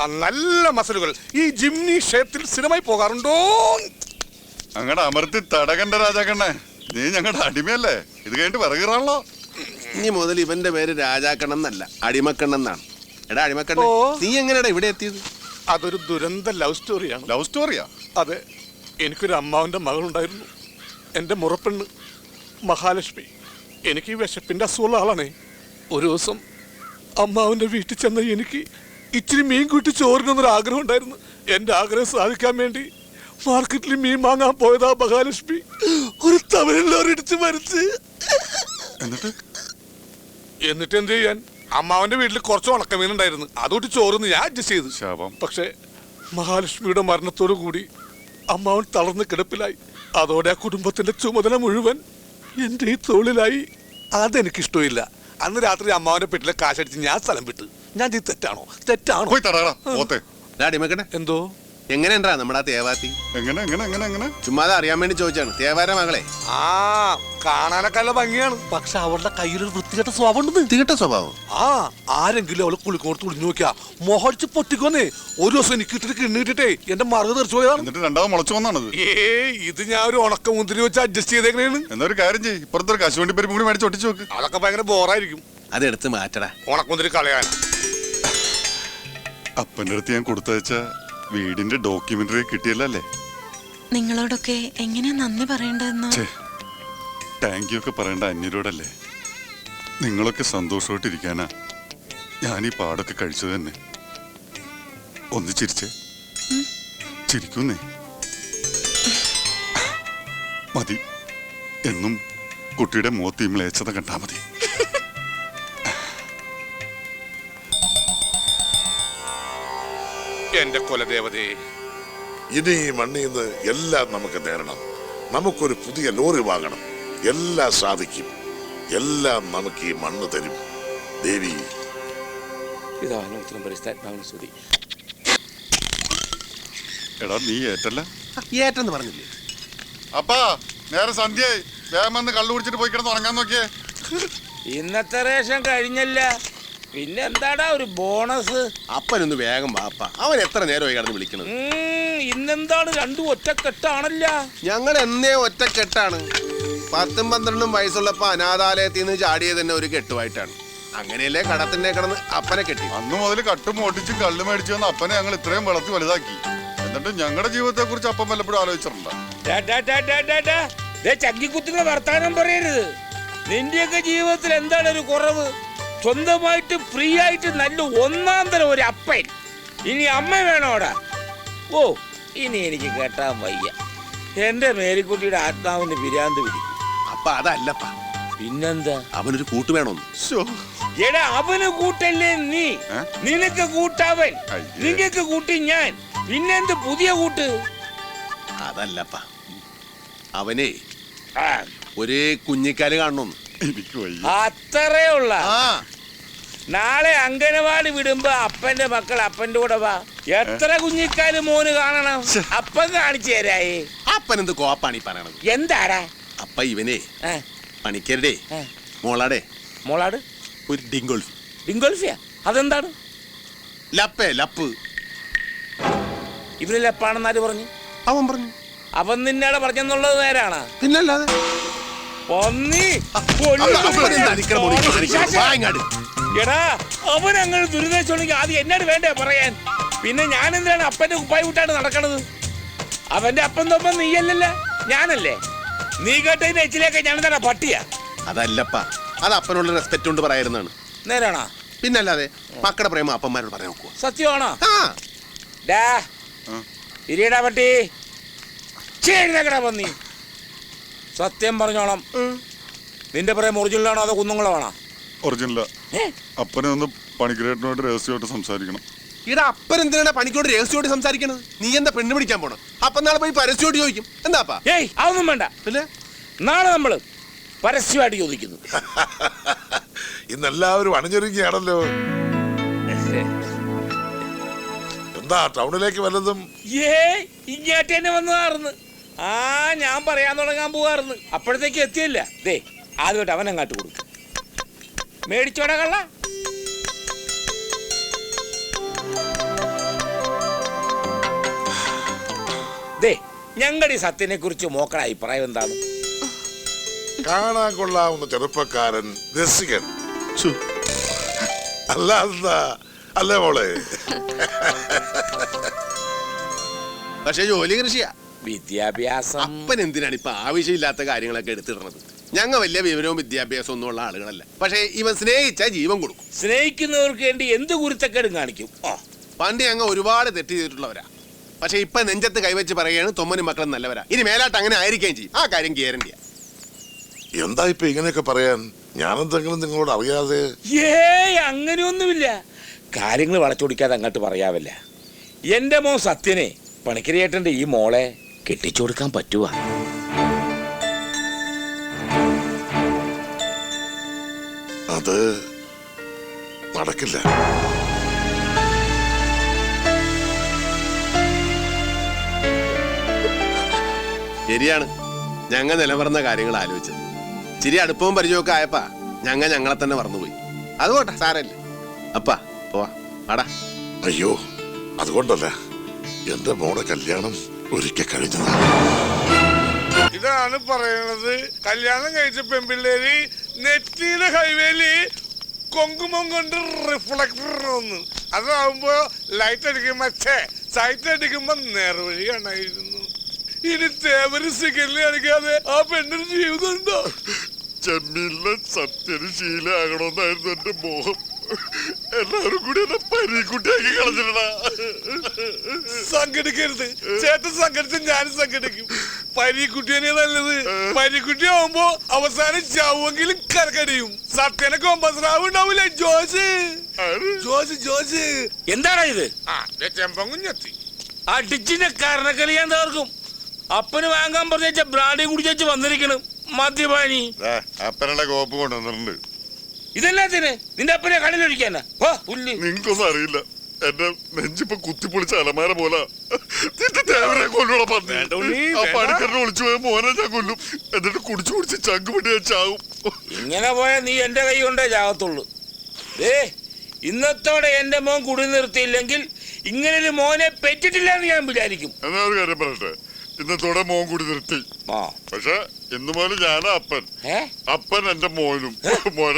നല്ല മസലുകൾ. ഈ ജിംനി ക്ഷേത്രത്തിൽ സ്ഥിരമായി പോകാറുണ്ടോ? അങ്ങടെ അമർത്തി തടകണ്ട രാജാക്കണ്ണേ, നീ ഞങ്ങളുടെ അടിമയല്ലേ? ഇത് കഴിഞ്ഞിട്ട് വിറകിറാണല്ലോ. ഇനി മുതൽ ഇവന്റെ പേര് രാജാക്കണ്ണൻ എന്നല്ല, അടിമക്കണ്ണൻ എന്നാണ്. എടാ അടിമക്കണ്ണൻ, നീ എങ്ങനെയാടാ ഇവിടെ എത്തിയത്? അതൊരു ദുരന്ത ലവ് സ്റ്റോറിയാണ്. ലവ് സ്റ്റോറിയാ? അതെ, എനിക്കൊരു അമ്മാവന്റെ മകളുണ്ടായിരുന്നു, എൻ്റെ മുറപ്പെണ്ണ് മഹാലക്ഷ്മി. എനിക്ക് ഈ വിശപ്പിന്റെ അസുഖമുള്ള ആളാണേ. ഒരു ദിവസം അമ്മാവന്റെ വീട്ടിൽ ചെന്ന എനിക്ക് ഇച്ചിരി മീൻ കൂട്ടി ചോറിനൊന്നൊരു ആഗ്രഹം ഉണ്ടായിരുന്നു. എൻ്റെ ആഗ്രഹം സാധിക്കാൻ വേണ്ടി മാർക്കറ്റിൽ മീൻ വാങ്ങാൻ പോയതാ മഹാലക്ഷ്മി ഒരു തമിഴിലോരിടിച്ച് മരിച്ച്. എന്നിട്ട് എന്ത് ചെയ്യാൻ? അമ്മാവന്റെ വീട്ടിൽ കുറച്ച് ഉണക്കമീൻ ഉണ്ടായിരുന്നു, അതുകൊണ്ട് ചോറിന്ന് ഞാൻ അഡ്ജസ്റ്റ് ചെയ്തു. പക്ഷെ മഹാലക്ഷ്മിയുടെ മരണത്തോടു കൂടി അമ്മാവൻ തളർന്ന് കിടപ്പിലായി. അതോടെ ആ കുടുംബത്തിന്റെ ചുമതല മുഴുവൻ എന്റെ ഈ തോളിലായി. അതെനിക്കിഷ്ടമില്ല. അന്ന് രാത്രി അമ്മാവന്റെ പെട്ടിലെ കാശടിച്ച് ഞാൻ സ്ഥലം വിട്ടു. ഞാൻ ചെയ്ത് തെറ്റാണോ? എന്തോ എങ്ങനെയുണ്ടാ നമ്മുടെ തേവാത്തി? എങ്ങനെ ചുമ്മാതെ അറിയാൻ വേണ്ടി ചോദിച്ചാണ്. തേവാര മകളെ കാണാനൊക്കെ നല്ല ഭംഗിയാണ്, പക്ഷെ അവളുടെ കയ്യിലൊരു വൃത്തികെട്ട സ്വഭാവം ഉണ്ട്. വൃത്തികെട്ട സ്വഭാവം? ആരെങ്കിലും അവളെ കുളിക്കോർത്ത് കുളിഞ്ഞു നോക്കിയാ മൊഹടിച്ച് പൊട്ടിക്കൊന്നേ. ഒരു ദിവസം എനിക്ക് ഇട്ടിട്ട് കിണ്ണിട്ടേ എന്റെ മറുക തെറിച്ചു പോയതാണ്. ഇത് ഞാൻ ഒരു ഉണക്ക മുന്തിരി വെച്ച് അഡ്ജസ്റ്റ് ചെയ്തേക്കണേന്ന്. എന്നൊരു കാര്യം ചെയ്യും, ഇപ്പുറത്തൊരു കശുവണ്ടി പരിപ്പ് കൂടി മേടിച്ച് ഒട്ടിച്ചു നോക്ക്. അതൊക്കെ ഭയങ്കര ബോറായിരിക്കും. അതെടുത്ത് മാറ്റടാ. ഉണക്കമുന്തിരി കളയാൻ അപ്പൻ്റെ അടുത്ത് ഞാൻ കൊടുത്തയച്ച വീടിന്റെ ഡോക്യുമെന്ററി കിട്ടിയല്ലേ? നിങ്ങളോടൊക്കെ എങ്ങനെയാ നന്ദി പറയേണ്ടതെന്ന്. താങ്ക് യു ഒക്കെ പറയേണ്ട അന്യരോടല്ലേ? നിങ്ങളൊക്കെ സന്തോഷമായിട്ടിരിക്കാനാ ഞാൻ ഈ പാടൊക്കെ കഴിച്ചത് തന്നെ. ഒന്ന് ചിരിച്ചേ, ചിരിക്കുന്നേ. മതി, എന്നും കുട്ടിയുടെ മുഖത്ത് ഇമ്മളേച്ചത കണ്ടാ മതി. എന്റെ കുലദേവതേ, ഇനി ഈ മണ്ണിൽ നിന്ന് എല്ലാം നമുക്ക് നേടണം. നമുക്കൊരു പുതിയ ലോറി വാങ്ങണം. എല്ലാം സാധിക്കും. എല്ലാം നമുക്ക് ഈ മണ്ണ് തരും ദേവി. എടാ നീ ഏറ്റല്ല? ഏറ്റെന്ന് പറഞ്ഞില്ലേ? അപ്പാ നേരെ സന്ധ്യയായി, വേഗം വന്ന് കള്ളു കുടിച്ചിട്ട് പോയി കിടന്ന് ഉറങ്ങാൻ നോക്കിയേ. ഇന്നത്തെ റേഷൻ കഴിഞ്ഞല്ല, പിന്നെ എന്താടാ ഒരു ബോണസ്? അപ്പനൊന്ന് വേഗം വാപ്പ, അവൻ എത്ര നേരമായി കിടന്ന് വിളിക്കണത്? ഇന്നെന്താണ് രണ്ടും ഒറ്റക്കെട്ടാണല്ല? ഞങ്ങൾ എന്നേ ഒറ്റക്കെട്ടാണ്. 10ഉം 12ഉം വയസ്സുള്ളപ്പോ അനാഥാലയത്തിൽ നിന്ന് ചാടിയത് തന്നെ ഒരു കെട്ടുമായിട്ടാണ്. അങ്ങനെയല്ലേ കടത്തിന്റെ കിടന്ന് അപ്പനെ കെട്ടി. അന്ന് മുതൽ കട്ടും ഓട്ടിച്ചും കള്ളു മേടിച്ചു വന്ന അപ്പനെ ഞങ്ങൾ ഇത്രയും വളർത്തി വലുതാക്കി. എന്നിട്ട് ഞങ്ങളുടെ ജീവിതത്തെ കുറിച്ച് അപ്പം വല്ലപ്പോഴും ആലോചിച്ചിട്ടുണ്ടോ? ചങ്കിക്കുത്തുന്ന വർത്താനം പറയരുത്. നിന്റെയൊക്കെ ജീവിതത്തിൽ എന്താണ് ഒരു കുറവ്? സ്വന്തമായിട്ട് ഫ്രീ ആയിട്ട് നല്ല ഒന്നാം തരം ഒരു അപ്പൻ. ഇനി അമ്മ വേണോടാ? ഓ, ഇനി എനിക്ക് കേട്ടാൻ വയ്യ. എന്റെ മേരിക്കുട്ടിയുടെ ആത്മാവിന് പിരാന്ത് പിടിക്കും. അപ്പ അതല്ലപ്പാ, പിന്നെന്താ? അവനൊരു കൂട്ട് വേണമെന്ന്. എടാ, അവന് കൂട്ടല്ലേ നീ? നിനക്ക് കൂട്ടവൻ, നിങ്ങൾക്ക് കൂട്ടി ഞാൻ. പിന്നെന്ത് പുതിയ കൂട്ട്? അതല്ലപ്പാ, അവനെ ഒരേ കുഞ്ഞിക്കാല് കാണണമെന്ന്. അത്രേ ഉള്ള. നാളെ അംഗനവാടി വിടുമ്പോ അപ്പന്റെ മക്കൾ അപ്പന്റെ കൂടെ വാ. എത്ര കുഞ്ഞിക്കാല് മോന് കാണണം? അപ്പൻ കാണിച്ചു തരായേ. അപ്പൻ എന്ത് കോപ്പാണ് ഈ പറയണത്? എന്താടാ? അപ്പ ഇവനെ പണിക്കരുടെ മോളാടെ മോളാട് ഒരു ഡിങ്കോൾഫി. ഡിങ്കോൾഫിയാ? അതെന്താണ്? ലപ്പേ ലപ്പ്. ഇവന് ലപ്പാണെന്നാര് പറഞ്ഞു? അവൻ പറഞ്ഞു. അവൻ നിന്നേടെ പറഞ്ഞെന്നുള്ളത് നേരാണ്? പിന്നല്ലാതെ. എടാ, അവൻ അങ്ങനെ ദുരിതച്ചുണ്ടെങ്കിൽ ആദ്യം എന്നോട് വേണ്ടേ പറയാൻ? പിന്നെ ഞാൻ എന്തിനാണ് അപ്പന്റെ കുപ്പായി വിട്ടാണ് നടക്കണത്? അവന്റെ അപ്പൻ തൊപ്പം നീയല്ലല്ല, ഞാനല്ലേ? നീ കേട്ടതിന്റെ എച്ചിലേക്ക് ഞാൻ എന്താണ് പട്ടിയാ? അതല്ലപ്പാ, അത് അപ്പനുള്ള റെസ്പെക്ട് കൊണ്ട് പറയായിരുന്നാണ്. നേരാണോ? പിന്നല്ലാതെ. മക്കളുടെ പ്രേമ അപ്പന്മാരോട് പറയാൻ നോക്കുക. സത്യമാണോ? ഇരിയടാ പട്ടി, ചേടാ പന്നി. സത്യം പറഞ്ഞോളാം, നിന്റെ പ്രേമ ഒറിജിനലാണോ അതോ കുന്നുങ്ങളാണോ? ഒറിജിനലാ. അപ്പനെ ഒന്ന് പണിക്കരേട്ടനോട് രഹസ്യമായിട്ട് സംസാരിക്കണം. ഇവിടെ അപ്പൻ എന്തിനാണ് പണിക്കോട് രഹസ്യമായിട്ട് സംസാരിക്കണത്? നീ എന്താ പെണ്ണ് പിടിക്കാൻ പോണം? അപ്പൊ നാളെ പോയി പരസ്യമായിട്ട് ചോദിക്കും. എന്താപ്പാ? ഏയ്, അതൊന്നും വേണ്ട. പിന്നെ നാളെ നമ്മള് പരസ്യമായിട്ട് ചോദിക്കുന്നു. ഇന്നെല്ലാവരും അണിഞ്ഞൊരുങ്ങിയാണല്ലോ. എന്താ ടൗണിലേക്ക് വല്ലതും? ഇങ്ങോട്ട് തന്നെ വന്നതാർന്ന്. ഞാൻ പറയാൻ തുടങ്ങാൻ പോവാർന്ന്, അപ്പോഴത്തേക്ക് എത്തിയില്ല. ദേ ആദ്യമായിട്ട് അവൻ അങ്ങാട്ട് കൊടുക്കും. മേടിച്ചോടാ കള്ള. ഞങ്ങളുടെ ഈ സത്യനെ കുറിച്ച് മോക്കടെ അഭിപ്രായം എന്താണ്? കാണാൻ കൊള്ളാവുന്ന ചെറുപ്പക്കാരൻ, രസികൻ. അല്ല എന്താ അല്ലേ മോളെ? പക്ഷെ ജോലി കൃഷിയാ. വിദ്യാഭ്യാസം അപ്പൻ എന്തിനാണ് ഇപ്പൊ ആവശ്യമില്ലാത്ത കാര്യങ്ങളൊക്കെ എടുത്തിടുന്നത്? ഞങ്ങൾ വലിയ വിവരവും വിദ്യാഭ്യാസവും ഒന്നും ഉള്ള ആളുകളല്ല. പക്ഷെ ഇവൻ സ്നേഹിച്ചാൽ ജീവൻ കൊടുക്കും. സ്നേഹിക്കുന്നവർക്ക് വേണ്ടി എന്ത് കുരുത്തക്കേടും കാണിക്കും. പണ്ട് ഞങ്ങൾ ഒരുപാട് തെറ്റ് ചെയ്തിട്ടുള്ളവരാ. പക്ഷെ ഇപ്പൊ നെഞ്ചത്ത് കൈവച്ച് പറയുകയാണ് തൊമ്മനും മക്കളും നല്ലവരാ. ഇനി മേലാട്ട് അങ്ങനെ ആയിരിക്കുകയും ചെയ്യും. ആ കാര്യം ഗ്യാരണ്ടിയാ. എന്താ ഇപ്പൊ ഇങ്ങനെയൊക്കെ പറയാൻ? ഞാനെന്തെങ്കിലും നിങ്ങളോട് അറിയാതെ? അങ്ങനെയൊന്നുമില്ല. കാര്യങ്ങൾ വളച്ചൊടിക്കാതെ അങ്ങോട്ട് പറയാവല്ല. എന്റെ മോൻ സത്യനെ പണിക്കരിയേട്ടന്റെ ഈ മോളെ കെട്ടിച്ചു കൊടുക്കാൻ പറ്റുവാ? അത് നടക്കില്ല. ശരിയാണ്. ഞങ്ങൾ നിലവറന്ന കാര്യങ്ങൾ ആലോചിച്ചത്. ചിരി അടുപ്പവും പരിചയമൊക്കെ ആയപ്പാ ഞങ്ങളെ തന്നെ മറന്നുപോയി. അതുകൊട്ടെ, സാരല്ലേ. അപ്പാ പോവാ, ആടാ. അയ്യോ, അതുകൊണ്ടല്ല, എന്റെ മോടെ കല്യാണം ഒരിക്കൽ കഴിഞ്ഞതാണ്. ഇതാണ് പറയണത്. കല്യാണം കഴിച്ച പെൺപിള്ളേര് നെറ്റിയിലെ ഹൈവേയില് കൊങ്കുമം കൊണ്ട് റിഫ്ലക്ടർ ഒന്ന്, അതാവുമ്പോ ലൈറ്റ് അടിക്കുമ്പോ സൈറ്റ് അടിക്കുമ്പോ നേർവഴി കാണായിരുന്നു. ഇനി തേവര് സിഗരറ്റ് അടിക്കാതെ ആ പെണ്ണിന് ജീവിതം ഉണ്ടോ? ചെമ്മീനിലെ സത്യന് ശീലമാകണമെന്നായിരുന്നു എന്റെ മോഹം. എല്ലാവരും കൂടി എന്നെ പരീക്കുട്ടിയാക്കി കളഞ്ഞിട്ടാ. സംഘടിക്കരുത് ചേട്ടൻ, സംഘടിച്ച് ഞാനും സംഘടിക്കും. പരീക്കുട്ടിയെ നല്ലത്. പരീക്കുട്ടി ആവുമ്പോ അവസാനം ചാവുമെങ്കിലും കരക്കടിയും. സത്യനെ കൊമ്പസ്രാവ് ഉണ്ടാവൂലേ? ജോസ് എന്താടാ ഇത്? ചെമ്പങ്കുഞ്ഞെത്തി അടിച്ചിന്റെ കരണക്കളി ഞാൻ തകർക്കും. അപ്പന് വാങ്ങാൻ പറഞ്ഞ ബ്രാഡി കുടിച്ചു വന്നിരിക്കണം മദ്യപാനി. അപ്പനുള്ള കോപ്പ് കൊണ്ടുവന്നിട്ടുണ്ട്. ഇതെല്ലാത്തിന് നിന്റെ അപ്പനെ കടലൊഴിക്കാനാ? നിങ്ങൾക്കൊന്നും അറിയില്ല. എന്റെ നെഞ്ചിപ്പൊ കുത്തിപ്പൊളിച്ച അലമാര പോലെ കൊല്ലൂടെ പണിക്കറിനെ വിളിച്ചു പോയ മോനെ ഞാൻ കൊല്ലും. എന്നിട്ട് കുടിച്ചു കുടിച്ച് ചങ്ക് പിടി ഞാൻ ചാവും. ഇങ്ങനെ പോയാൽ നീ എന്റെ കൈ കൊണ്ടേ ചാകത്തുള്ളൂ. ഇന്നത്തോടെ എന്റെ മോൻ കുടി നിർത്തിയില്ലെങ്കിൽ ഇങ്ങനൊരു മോനെ പെറ്റിട്ടില്ല എന്ന് ഞാൻ വിചാരിക്കും. എന്നാ ഒരു കാര്യം പറയട്ടെ, ഇന്നത്തോടെ മോൻ കൂടി നിർത്തി. പക്ഷെ ഇന്ന് മുതൽ ഞാനാ അപ്പൻ. അപ്പൻ എന്റെ മോനും. മോനെ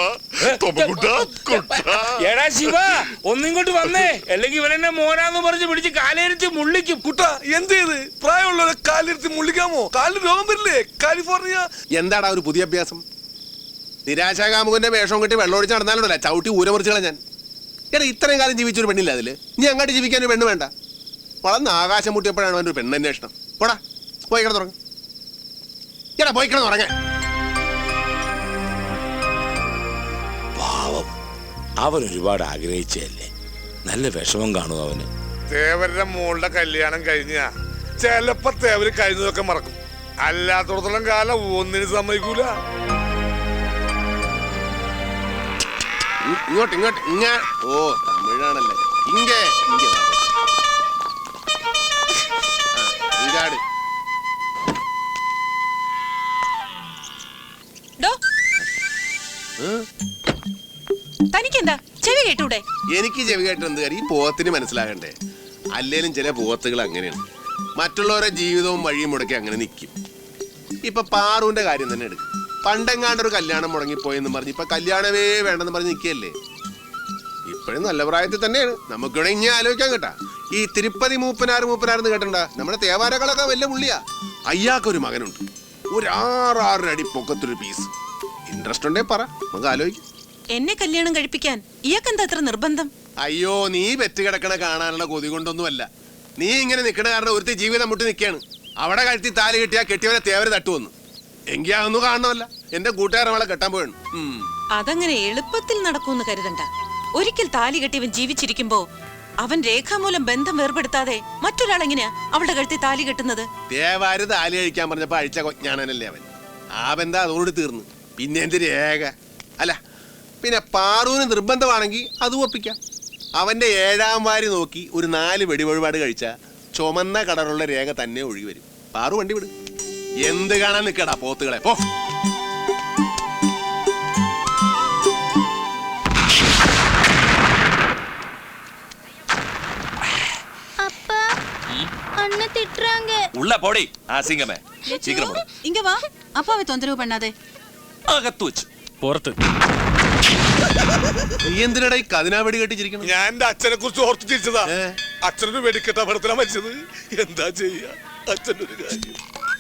എടാ ശിവ, ഒന്നിങ്ങോട്ട് വന്നേ, അല്ലെങ്കിൽ ഇവനെന്നെ മോനാന്ന് പറഞ്ഞ് പിടിച്ച് കാലിരുത്തി മുള്ളിക്കും. കുട്ട എന്ത് ചെയ്ത് പ്രായമുള്ളവരെ കാലിരുത്തി മുള്ളിക്കാമോ? കാലിന് രോഗം വരില്ലേ? കാലിഫോർണിയ. എന്താടാ ഒരു പുതിയ അഭ്യാസം? നിരാശാകാമുകന്റെ വേഷം കെട്ടി വെള്ളമൊഴിച്ച് നടന്നാലുണ്ടല്ല ചവിട്ടി ഊരമുറിച്ച് കളഞ്ഞാൻ. എടാ ഇത്രയും കാലം ജീവിച്ചൊരു പെണ്ണില്ല അതില്. നീ അങ്ങോട്ട് ജീവിക്കാൻ ഒരു പെണ്ണ് വേണ്ട. വളർന്ന് ആകാശം മുട്ടിയപ്പോഴാണ് അവൻ്റെ ഒരു പെണ്ണന്വേഷണം. പോടാ, പോയി കിടന്നുറങ്ങ. എടാ പോയി കിടന്നുറങ്ങ. പാവം, അവൻ ഒരുപാട് ആഗ്രഹിച്ചല്ലേ. നല്ല വിഷമം കാണും അവന്. തേവരുടെ മോളുടെ കല്യാണം കഴിഞ്ഞ ചിലപ്പോ തേവര് കഴിഞ്ഞതൊക്കെ മറക്കും. അല്ലാത്തോടത്തോളം കാലം ഒന്നിനും സമ്മതിക്കൂല. ഇങ്ങോട്ട് ഇങ്ങോട്ട് ഓ തമിഴാണല്ലേ. ഇങ്ങേ തനിക്കെന്താ ചെവി കേട്ടൂടെ? എനിക്ക് ചെവി കേട്ട് എന്ത് കാര്യം? ഈ പോത്തിന് മനസ്സിലാകണ്ടേ? അല്ലേലും ചില പോത്തുകൾ അങ്ങനെയാണ്. മറ്റുള്ളവരുടെ ജീവിതവും വഴിയും മുടക്കി അങ്ങനെ നിൽക്കും. ഇപ്പൊ പാറുവിന്റെ കാര്യം തന്നെ എടുക്കും. പണ്ടെങ്ങാണ്ടൊരു കല്യാണം മുടങ്ങിപ്പോയെന്ന് പറഞ്ഞ് ഇപ്പൊ കല്യാണമേ വേണ്ടെന്ന് പറഞ്ഞ് നിൽക്കുകയല്ലേ. ഇപ്പോഴും നല്ല പ്രായത്തിൽ തന്നെയാണ്. നമുക്കിവിടെ ഇനി ആലോചിക്കാൻ കേട്ടാ. ഈ തിരുപ്പതി മൂപ്പനാരെന്ന് കേട്ടണ്ട? നമ്മുടെ തേവാരകളൊക്കെ വലിയ പുള്ളിയാ. അയ്യാക്കൊരു മകനുണ്ട്. ഒരു 6 അടി പൊക്കത്തൊരു പീസ്. ഇൻട്രസ്റ്റ് ഉണ്ടേ പറ, നമുക്ക് ആലോചിക്കും. എന്നെ കല്യാണം കഴിപ്പിക്കാൻ ഇയാൾക്കെന്താ അത്ര നിർബന്ധം? അയ്യോ, നീ പെറ്റ് കിടക്കണ കാണാനുള്ള കൊതി കൊണ്ടൊന്നുമല്ല. നീ ഇങ്ങനെ നിൽക്കണ കാരണം ഒരുത്തി ജീവിതം മുട്ടി നിൽക്കുകയാണ്. അവിടെ കഴുത്തി താലി കെട്ടിയാ കെട്ടിയവനെ തേവര് തട്ടുവന്നു. എങ്കിൽ അതൊന്നും കാണണമല്ല. എന്റെ കൂട്ടുകാരവളെ കെട്ടാൻ പോയാണ്. അതങ്ങനെ എളുപ്പത്തിൽ നടക്കൂന്ന് കരുതണ്ട. ഒരിക്കൽ താലി കെട്ടിയവൻ ജീവിച്ചിരിക്കുമ്പോ അവൻ രേഖാമൂലം ബന്ധം വേർപെടുത്താതെ മറ്റൊരാൾ എങ്ങനെയാ അവളുടെ കഴുത്തി താലി കെട്ടുന്നത്? തേവാര് താലി കഴിക്കാൻ പറഞ്ഞപ്പോ അഴിച്ച കൊഞ്ഞാണല്ലേ അവൻ. ആ ബന്ധം അതോട് തീർന്നു. പിന്നെ എന്ത് രേഖ? അല്ല പിന്നെ പാറുവിന് നിർബന്ധമാണെങ്കിൽ അത് ഒപ്പിക്കാം. അവന്റെ 7ാം വാരി നോക്കി ഒരു 4 വെടിവഴിപാട് കഴിച്ച ചുമന്ന കളറുള്ള രേഖ തന്നെ ഒഴുകി വരും. പാറു വണ്ടി വിട്. എന്ത് കാണാൻ നിൽക്കടാ പോത്തുകളെ, പോ. அண்ணன் திட்டுறாங்க. உள்ள போடி அசிங்கமே. சீக்கிரம் போடு. ഇങ്ങ വാ അപ്പാവെ തൊന്തരവ് പണ്ണാതെ. അകത്ത് വെച്ച് പുറത്ത്. നീ എന്തിനടാ ഈ കതിനാ വെടി കെട്ടിച്ചിരിക്കണം? ഞാൻ എന്റെ അച്ഛനെ കുറിച്ച് ഓർത്ത് ചിരിച്ചതാ. ഏ? അച്ഛനൊരു വെടിക്കെട്ട അപകടത്തിലാ മരിച്ചത്. എന്താ ചെയ്യാ, അച്ഛൻ്റെ ഒരു കാര്യം.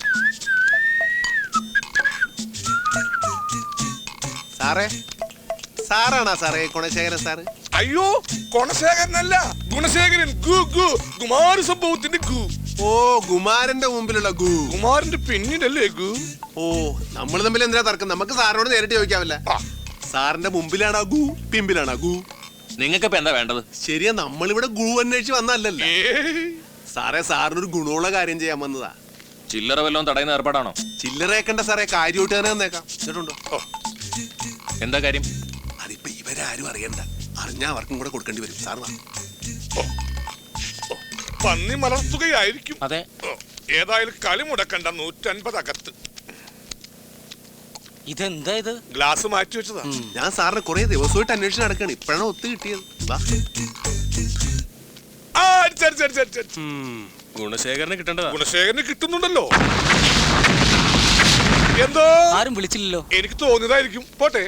സാറേ, സാറാണോ സാറേ ഗുണശേഖരൻ സാറ്? അയ്യോ, ഗുണശേഖരനല്ല, ഗുണശേഖരൻ. ഗു ഗു കുമാര സംഭവത്തിന്റെ ഗു. ഓ, കുമാരന്റെ മുമ്പിലുള്ള ഗു. കുമാരന്റെ പിന്നിലല്ലേ ഗു? ഓ, നമ്മൾ തമ്മിൽ എന്തിനാ തർക്കം? നമുക്ക് സാറിനോട് നേരിട്ട് ചോദിക്കാമല്ല. സാറിന്റെ മുമ്പിലാണോ ഗു, പിമ്പിലാണോ ഗു? നിങ്ങൾക്കിപ്പോ എന്താ വേണ്ടത്? ശരിയാ, നമ്മളിവിടെ ഗു അന്വേഷിച്ച് വന്നല്ലല്ലോ. ഏയ്. സാറേ, സാറിനൊരു ഗുണമുള്ള കാര്യം ചെയ്യാൻ വന്നതാ. ചില്ലറ വല്ലതും തടയുന്ന ഏർപ്പാടാണോ? ചില്ലറേക്കണ്ട സാറേ, കാര്യമായിട്ട് തന്നെ വന്നേക്കാം. കേട്ടുണ്ടോ? എന്താ കാര്യം? അതിപ്പോ ഇവരാരും അറിയണ്ട. അറിഞ്ഞാ അവർക്കും കൂടെ കൊടുക്കേണ്ടി വരും. സാർ വാ. പന്നി മലർത്തുകയായിരിക്കും. അതെ. ഏതായാലും കളി മുടക്കണ്ട. 150 അകത്ത്. ഇതെന്താ ഇത്? ഗ്ലാസ് മാറ്റി വെച്ചതാ. ഞാൻ സാറിന് കുറെ ദിവസമായിട്ട് അന്വേഷണം നടക്കാണ്. ഇപ്പോഴാണ് ഒത്തു കിട്ടിയത്. വാ. ആ, അടിച്ച്. ഗുണശേഖരനെ കിട്ടേണ്ടതാ. ഗുണശേഖരന് കിട്ടുന്നുണ്ടല്ലോ. എന്തോ ആരും വിളിച്ചില്ലല്ലോ. എനിക്ക് തോന്നിയതായിരിക്കും. പോട്ടെ.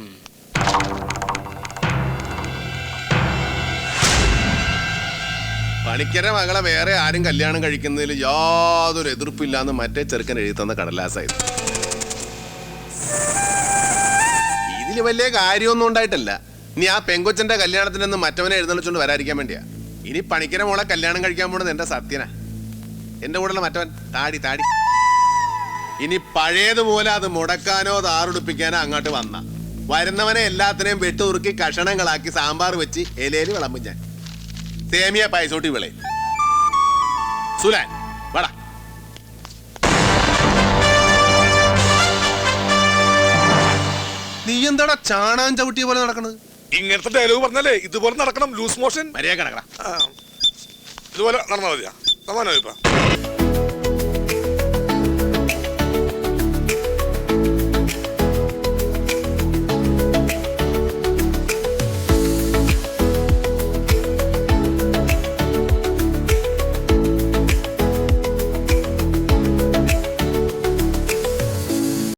പണിക്കര മകളെ വേറെ ആരും കല്യാണം കഴിക്കുന്നതിൽ യാതൊരു എതിർപ്പില്ലാന്ന് മറ്റേ ചെറുക്കൻ എഴുതി തന്ന കടലാസായിരുന്നു. ഇതില് വലിയ കാര്യമൊന്നും ഉണ്ടായിട്ടല്ല. ഇനി ആ പെങ്കൊച്ചന്റെ കല്യാണത്തിനൊന്നും മറ്റവനെ എഴുന്നള്ളിച്ചോണ്ട് വരാതിരിക്കാൻ വേണ്ടിയാ. ഇനി പണിക്കര മോളെ കല്യാണം കഴിക്കാൻ പോണത് എന്റെ സത്യനാ. എന്റെ കൂടെയുള്ള മറ്റവൻ താടി. ഇനി പഴയതുപോലെ അത് മുടക്കാനോ താറുടിപ്പിക്കാനോ അങ്ങോട്ട് വന്ന വരുന്നവനെ എല്ലാത്തിനെയും വെട്ടുറുക്കി കഷണങ്ങളാക്കി സാമ്പാർ വെച്ച് ഇലയിൽ വിളമ്പും ഞാൻ. സേമിയ പായസോട്ടി വിളെ. സുലാൻ വട. നീ എന്താടാ ചാണാൻ ചവിട്ടിയ പോലെ നടക്കണത്? ഇങ്ങനത്തെ ഡയലോഗ് പറഞ്ഞാലേ ഇതുപോലെ നടക്കണം. ലൂസ് മോഷൻ മര്യാദ കിടക്കടാ. ഇതുപോലെ നടന്നാ മതിയാ. സമാനമായി ഇപ്പൊ